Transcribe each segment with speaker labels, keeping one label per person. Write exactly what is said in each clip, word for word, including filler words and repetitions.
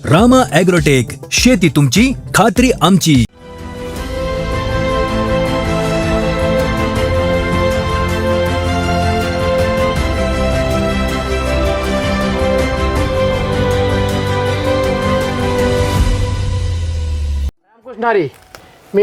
Speaker 1: Rama agrotech, शेती तुमची खात्री आमची.
Speaker 2: रामकृष्णारी, मी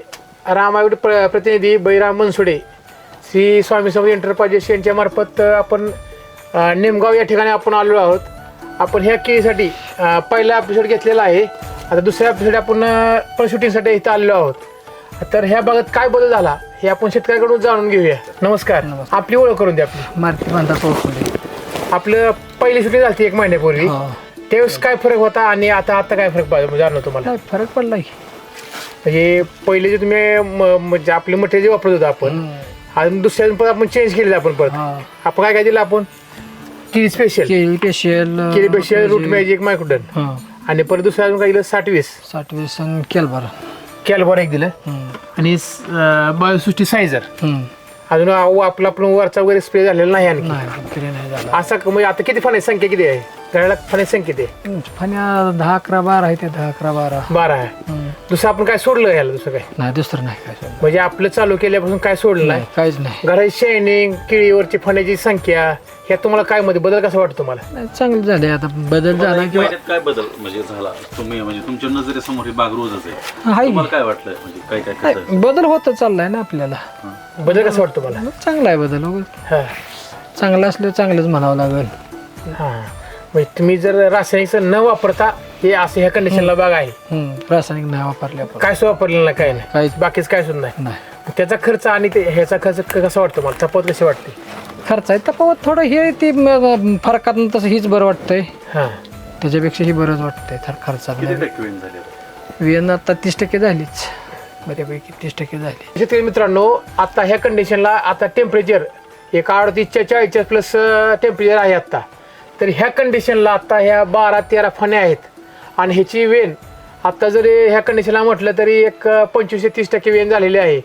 Speaker 2: रामायण प्र प्रतिनिधी बैराम मनसुडे, श्री स्वामी समर्थ एंटरप्राइजेस यांच्या मार्फत आपण अ, निमगाव या ठिकाणी आपण आलेलो आहोत. आपण ह्या केळीसाठी अ, पहिला एपिसोड घेतलेला आहे. आता दुसऱ्या एपिसोड आपण पण शूटिंगसाठी इथं आलेलो आहोत. तर ह्या भागात काय बदल झाला हे आपण शेतकऱ्याकडून जाणून घेऊया. नमस्कार, आपली ओळख करून द्या. आपली
Speaker 3: मारुती बांधा पोहोचले.
Speaker 2: आपलं पहिली शूटिंग झाली एक महिन्यापूर्वी. त्यावेळेस काय फरक होता आणि आता आता काय फरक पाहिजे जाणवतो तुम्हाला?
Speaker 3: नाही, फरक पडला की.
Speaker 2: म्हणजे पहिले जे तुम्ही म- म्हणजे आपले मटेरियल जे वापरत होतो आपण, अजून दुसऱ्या परत आपण चेंज केलेलं आपण परत.
Speaker 3: हा.
Speaker 2: आपण काय काय दिलं आपण? केळी स्पेशल,
Speaker 3: केळी स्पेशल,
Speaker 2: केळी स्पेशल, रूट मॅजिक, मायक्रोडन,
Speaker 3: हा
Speaker 2: आणि परत दुसरं अजून काय दिलं? साठ वीस
Speaker 3: साठ वीस आणि केलबार.
Speaker 2: कॅल्बॉर एक दिलं, आणि बायोसृष्टी सायझर. अजून अहो, आपला आपण वरचा वगैरे स्प्रे झालेला नाही आणखी.
Speaker 3: नाही तरी नाही झाला.
Speaker 2: असा क- म्हणजे आता किती फण्याची संख्या किती आहे? घराला फण्याची संख्या किती आहे?
Speaker 3: फण्या दहा अकरा बारा आहे ते, दहा अकरा बारा.
Speaker 2: बारा आहे. दुसरं आपण काय सोडलं याला? दुसरं काय
Speaker 3: नाही, दुसरं नाही काय सोडलं.
Speaker 2: म्हणजे आपलं चालू केल्यापासून काय सोडलं नाही?
Speaker 3: नाही, काहीच नाही.
Speaker 2: घराची शायनिंग, केळीवरची फण्याची संख्या, ह्या तुम्हाला काय मध्ये बदल कसा वाटतो तुम्हाला?
Speaker 3: नाही, चांगलं झाले. आता बदल झाला किंवा
Speaker 4: महिन्यात काय बदल म्हणजे झाला तुम्ही म्हणजे तुमच्या नजरेसमोर ही बाग रोजच आहे,
Speaker 3: आहे
Speaker 4: तुम्हाला काय वाटलं म्हणजे काय काय कसं
Speaker 3: नाही, बदल होत चाललाय ना आपल्याला.
Speaker 2: बदल कसा वाटतो मला?
Speaker 3: चांगला आहे बदल. हो,
Speaker 2: हा
Speaker 3: चांगलं असलं चांगलंच म्हणावं लागेल.
Speaker 2: हा म्हणजे तुम्ही जर रासायनिक न वापरता हे असं ह्या कंडिशनला बाग आहे,
Speaker 3: हम्म, रासायनिक नाही वापरले आपण.
Speaker 2: काय सुद्धा वापरलेलं नाही, काय नाही,
Speaker 3: काहीच
Speaker 2: बाकीच काय सुद्धा नाही.
Speaker 3: नाही.
Speaker 2: त्याचा खर्च आणि ते ह्याचा खर्च क- कसा वाटतो मला? तफावत कशी वाटते?
Speaker 3: खर्च आहे तफावत थोडं हे ती फरकात तसं हीच बरं वाटतंय.
Speaker 2: हा
Speaker 3: त्याच्यापेक्षा ही बरंच वाटतंय थर खर्चात.
Speaker 4: किती टक्के वेळ झाले?
Speaker 3: वेन आता तीस टक्के झालीच, बऱ्यापैकी तीस टक्के झाली.
Speaker 2: शेतकरी मित्रांनो, आता ह्या कंडिशनला आता टेम्परेचर एक अडतीसच्या चाळीसच्या प्लस टेम्परेचर आहे आता. तर ह्या कंडिशनला आता ह्या बारा तेरा फण्या आहेत, आणि ह्याची वेन आता जरी ह्या कंडिशनला म्हटलं तरी एक पंचवीस ते तीस टक्के वेन झालेली आहे.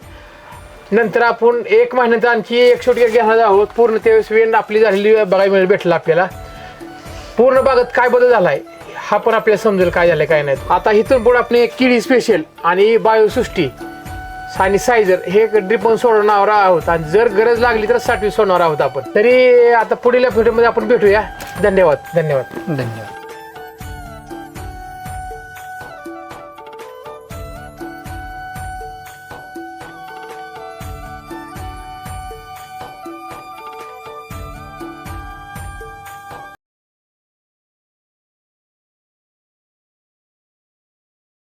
Speaker 2: नंतर आपण एक महिन्यात आणखी एक शूट घेणार आहोत. पूर्ण त्यावेळेस वेन आपली झालेली बघायला मिळेल, भेटलं आपल्याला. पूर्ण बागत काय बदल झाला आहे हा पण आपल्याला समजेल काय झालं काय नाही. आता इथून पुढे आपण एक केळी स्पेशल आणि बायोसृष्टी आणि सायझर हे ड्रिपन सोडवणार आहोत, आणि जर गरज लागली तर साठवी सोडणार आहोत आपण. तरी आता पुढील व्हिडिओमध्ये आपण भेटूया. धन्यवाद धन्यवाद
Speaker 3: धन्यवाद.